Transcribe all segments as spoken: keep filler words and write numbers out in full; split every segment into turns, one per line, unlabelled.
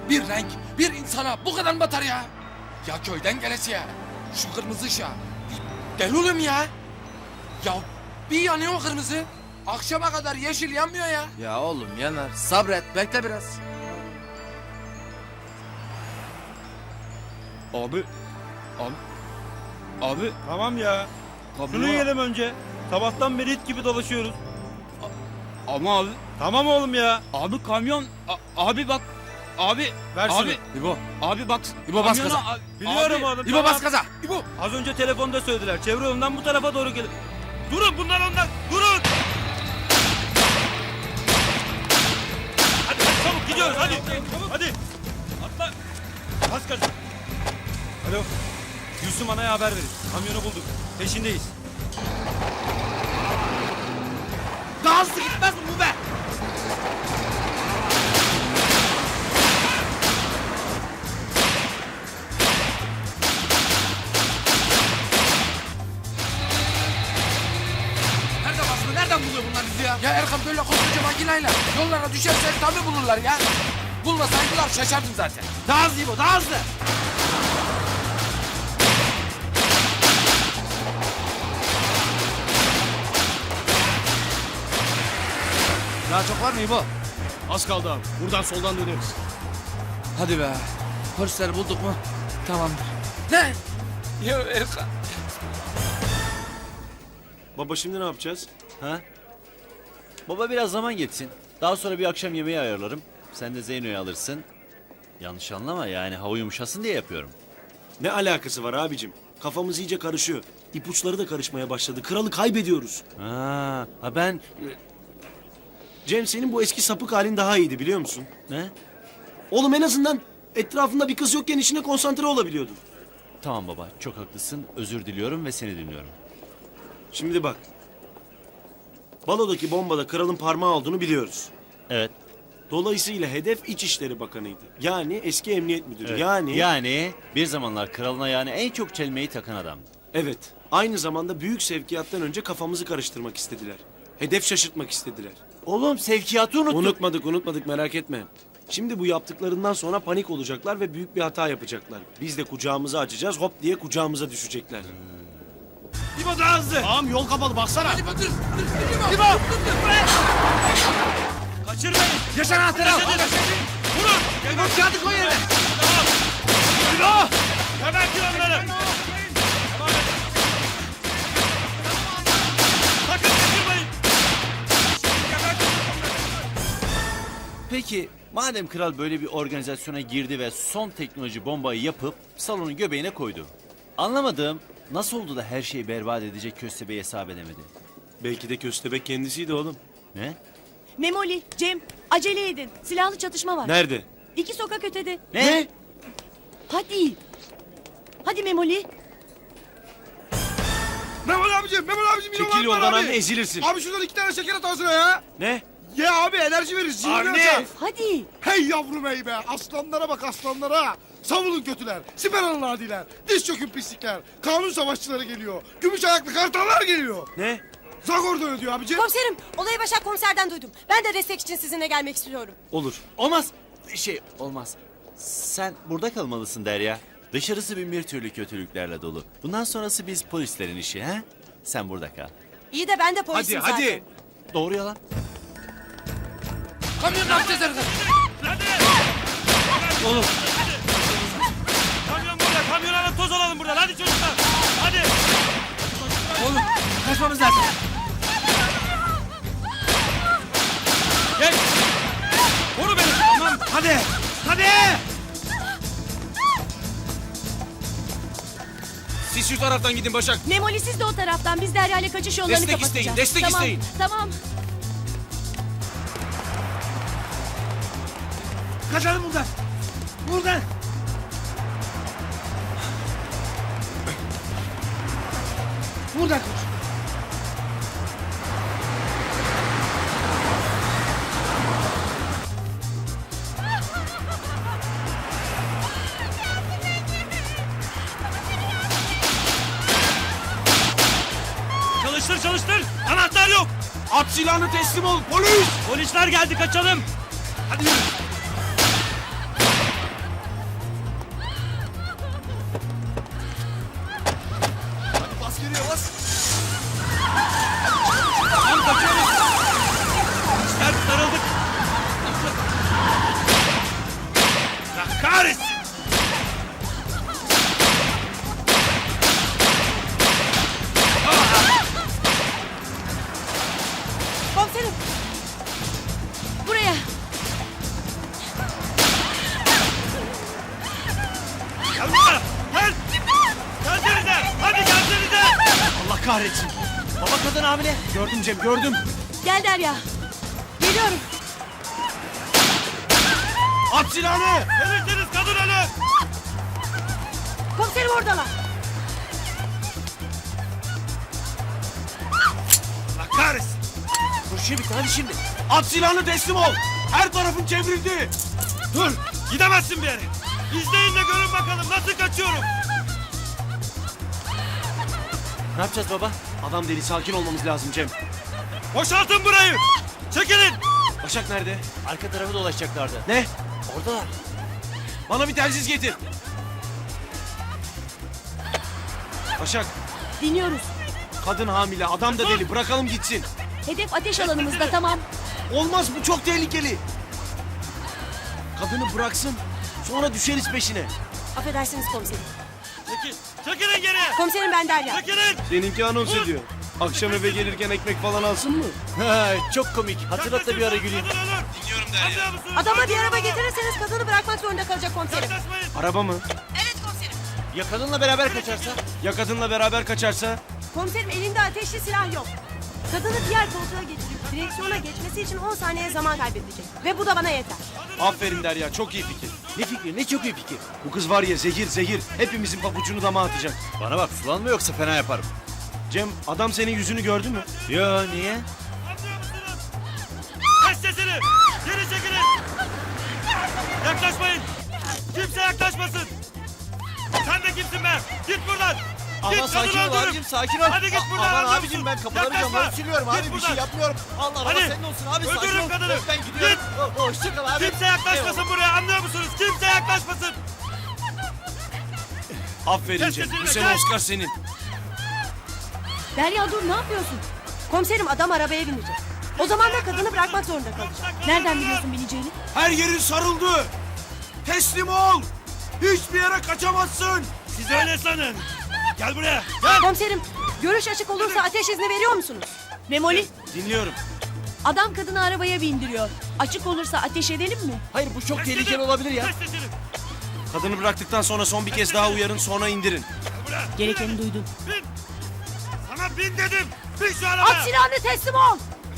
bir renk, bir insana bu kadar mı batar ya? Ya köyden gelesiye, şu kırmızı ışığa. Deli oğlum ya. Ya bir yanıyor o kırmızı. Akşama kadar yeşil yanmıyor ya.
Ya oğlum yanar. Sabret, bekle biraz.
Abi. Abi. Abi.
Tamam ya.
Kablo.
Şunu yiyelim önce. Sabahtan beri it gibi dolaşıyoruz.
Ama abi.
Tamam oğlum ya.
Abi kamyon. A- abi bak. Abi.
Ver şunu.
Abi.
İbo,
Abi bak.
İbo bas
kamyona-
gaza.
a-
Biliyorum
abi,
oğlum.
İbo
tamam.
bas gaza.
İbo.
Az önce telefonda söylediler. Çevre yolundan bu tarafa doğru gelin. Durun bunlar onlar. Durun. Hadi hadi çabuk gidiyoruz hadi. Hadi. Atla. Bas gaza. Alo. Gülsüm Ana'ya haber verin. Kamyonu bulduk. Peşindeyiz.
Daha hızlı gitmez mi bu be?
Nerede basma? Nereden buluyor bunlar bizi ya? Ya Erkan böyle koskoca makinayla yollara düşersek tabii bulurlar ya. Bulmasaydılar şaşardım zaten.
Daha hızlı İbo, daha hızlı. Daha çok var mı İbo?
Az kaldı abi. Buradan soldan döneriz.
Hadi be. Polisleri bulduk mu? Tamamdır.
Ne? Ya Erkan.
Baba şimdi ne yapacağız?
Ha? Baba biraz zaman geçsin. Daha sonra bir akşam yemeği ayarlarım. Sen de Zeyno'yu alırsın. Yanlış anlama yani hava yumuşasın diye yapıyorum.
Ne alakası var abicim? Kafamız iyice karışıyor. İpuçları da karışmaya başladı. Kralı kaybediyoruz.
Ha, ha ben...
Cem senin bu eski sapık halin daha iyiydi biliyor musun?
Ne?
Oğlum en azından etrafında bir kız yokken işine konsantre olabiliyordun.
Tamam baba çok haklısın. Özür diliyorum ve seni dinliyorum.
Şimdi bak. Balodaki bombada kralın parmağı olduğunu biliyoruz.
Evet.
Dolayısıyla hedef İçişleri Bakanı'ydı. Yani eski emniyet müdürü.
evet.
Yani...
Yani bir zamanlar kralına yani en çok çelmeyi takan adam.
Evet. Aynı zamanda büyük sevkiyattan önce kafamızı karıştırmak istediler. Hedef şaşırtmak istediler.
Oğlum sevkiyatı unuttuk.
Unutmadık unutmadık merak etme. Şimdi bu yaptıklarından sonra panik olacaklar ve büyük bir hata yapacaklar. Biz de kucağımızı açacağız hop diye kucağımıza düşecekler.
İbo daha hızlı.
Tamam yol kapalı baksana.
İbo dur. dur, dur, İbo.
İbo. Kaçırmayın.
Yaşar anahtarı al.
Vurun.
İbo kağıdı koy yerine.
İbo. Gebertin onları. Sakın kaçırmayın.
Peki madem kral böyle bir organizasyona girdi ve son teknoloji bombayı yapıp salonun göbeğine koydu. Anlamadığım nasıl oldu da her şeyi berbat edecek köstebeği hesap edemedi?
Belki de köstebek kendisiydi oğlum.
Ne?
Memoli, Cem, acele edin. Silahlı çatışma var.
Nerede?
İki sokak ötede.
Ne?
Hadi. Hadi Memoli.
Memoli abicim, Memoli abicim yine
Çekil
var
yoldan
abi.
anne ezilirsin.
Abi şuradan iki tane şeker at ağzına ya.
Ne?
Ye abi enerji verir. zihni
Anne!
açar.
Hadi.
Hey yavrum hey be. Aslanlara bak aslanlara. Savunun kötüler. Siper alın adiler. Diz çökün pislikler. Kanun savaşçıları geliyor. Gümüş ayaklı kartallar geliyor.
Ne?
Zagor ödüyor abicim.
Komiserim, olayı Başak komiserden duydum. Ben de destek için sizinle gelmek istiyorum.
Olur.
Olmaz. Şey olmaz. Sen burada kalmalısın Derya. Dışarısı bin bir türlü kötülüklerle dolu. Bundan sonrası biz polislerin işi ha? Sen burada kal.
İyi de ben de polisim
Hadi
zaten.
hadi.
Doğru yalan.
Kamyon ne yapacağız Erkan?
Oğlum. Kamyon burada. Kamyon alıp toz alalım buradan. Hadi çocuklar. Hadi.
Oğlum kaçmamız lazım.
Gel. Koru beni. Tamam.
Hadi. Hadi.
Siz şu taraftan gidin Başak.
Memoli siz de o taraftan. Biz Derya ile kaçış yollarını
Destek
kapatacağız.
isteyin, destek
tamam,
isteyin.
Tamam.
Kaçalım buradan. Buradan. Buradan koş.
Çalıştır çalıştır. Anahtar yok.
At silahını teslim ol polis.
Polisler geldi kaçalım.
Hadi yürü.
Baba kadın hamile.
Gördüm Cem gördüm.
Gel Derya. Geliyorum.
At silahını.
Verirseniz kadın ölür.
Komiserim oradalar.
Allah kahretsin.
Dur şimdi hadi şimdi. At silahını teslim ol. Her tarafın çevrildi.
Dur. Gidemezsin bir yere. İzleyin de görün bakalım nasıl kaçıyorum.
Ne yapacağız baba?
Adam deli sakin olmamız lazım Cem.
Boşaltın burayı. Çekilin.
Başak nerede?
Arka tarafı dolaşacaklardı.
Ne?
Oradalar.
Bana bir telsiz getir. Başak,
Dinliyoruz.
kadın hamile, adam da deli. Bırakalım gitsin.
Hedef ateş alanımızda, tamam.
Olmaz, bu çok tehlikeli. Kadını bıraksın, sonra düşeriz peşine.
Affedersiniz komiserim.
Çekil. Çekilin geriye.
Komiserim ben Derya.
Çekilin.
Seninki anons ediyor. Akşam eve gelirken ekmek falan alsın mı?
Ha, çok komik. Hatırlat da bir ara güleyim.
Kadın ölür. Dinliyorum Derya.
Adama bir araba getirirseniz kadını bırakmak zorunda kalacak komiserim.
Yaklaşmayın.
Araba mı?
Evet komiserim.
Ya kadınla beraber kaçarsa?
Ya kadınla beraber kaçarsa?
Komiserim elinde ateşli silah yok. Kadını diğer koltuğa getirip direksiyona geçmesi için on saniye zaman kaybedecek. Ve bu da bana yeter.
Aferin Derya, çok iyi fikir.
Ne fikri? Ne çok iyi fikir.
Bu kız var ya zehir zehir, hepimizin pabucunu dama atacak.
Bana bak, sulanma yoksa fena yaparım.
Cem, adam senin yüzünü gördü mü?
Yo, niye?
Anlıyor musunuz? Kes sesini. Geri çekilin. Yaklaşmayın. Kimse yaklaşmasın. Sen de kimsin be? Git buradan.
Ama
Git,
sakin
kadını
ol
öldürürüm.
abicim, sakin ol.
Hadi git
A-
buradan.
Aman
anlıyor
abicim,
musun?
ben kapıları
Yaklaşma.
camları siliyorum abi,
Git
bir şey
buradan.
yapmıyorum. Allah Allah,
Hadi.
senin olsun abi, sakin
Öldürürüm
ol.
kadını.
Ben gidiyorum.
Git.
O- Hoşça kal abi.
Kimse yaklaşmasın buraya, anlıyor musunuz? Kimse yaklaşmasın.
Aferin
Kes
Cem,
sesini,
bu sene
kes.
Oscar senin.
Derya dur, ne yapıyorsun? Komiserim adam arabaya binecek. O zaman da kadını bırakmak zorunda kalacak.
Nereden biliyorsun?
bineceğini?
Her yerin sarıldı. Teslim ol. Hiçbir yere kaçamazsın.
Siz öyle sanın. Gel buraya. Gel.
Komiserim, görüş açık olursa ateş izni veriyor musunuz? Memoli,
Dinliyorum.
adam kadını arabaya bindiriyor. Açık olursa ateş edelim mi?
Hayır, bu çok
Kes
tehlikeli
sesini.
olabilir ya.
Kes sesini.
Kadını bıraktıktan sonra son bir kez daha uyarın, sonra indirin.
Gel buraya.
Gerekeni duydun.
Bin. Sana bin dedim. Bin şu arabaya.
At silahını, teslim ol!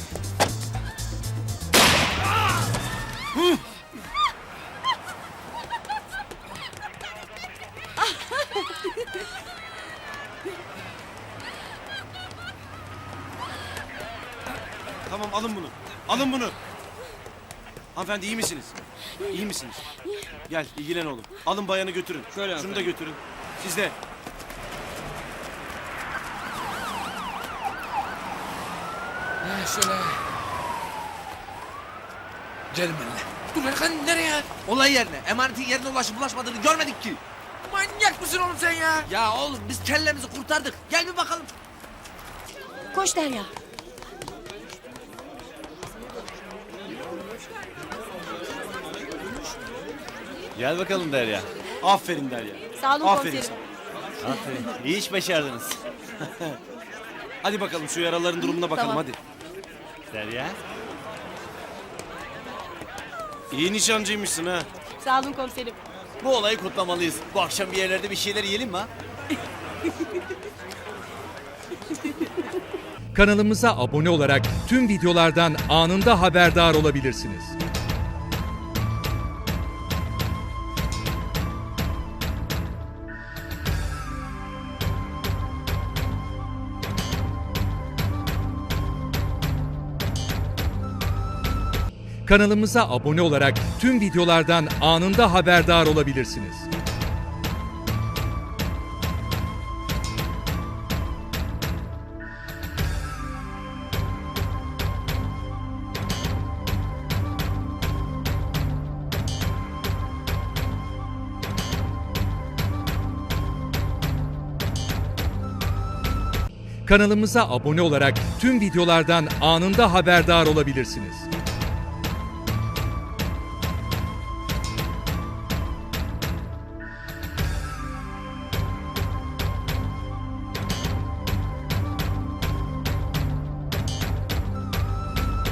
Tamam, alın bunu. Alın bunu. Hanımefendi iyi misiniz? İyi misiniz? Gel, ilgilen oğlum. Alın bayanı götürün.
Şöyle
Şunu da
hanımefendi.
götürün. Siz de.
Ha, şöyle. Gelin benimle. Dur Erkan, nereye?
Olay yerine, emanetin yerine ulaşıp ulaşmadığını görmedik ki.
Manyak mısın oğlum sen ya?
Ya oğlum biz kellemizi kurtardık. Gel bir bakalım.
Koş Derya.
Gel bakalım Derya.
Aferin Derya.
Sağ olun
Aferin
komiserim.
sana.
Aferin. İyi iş başardınız.
Hadi bakalım şu yaraların durumuna bakalım
Tamam.
hadi.
Derya.
İyi nişancıymışsın ha.
Sağ olun komiserim.
Bu olayı kutlamalıyız. Bu akşam bir yerlerde bir şeyler yiyelim mi ha?
Kanalımıza abone olarak tüm videolardan anında haberdar olabilirsiniz. Kanalımıza abone olarak tüm videolardan anında haberdar olabilirsiniz. Kanalımıza abone olarak tüm videolardan anında haberdar olabilirsiniz.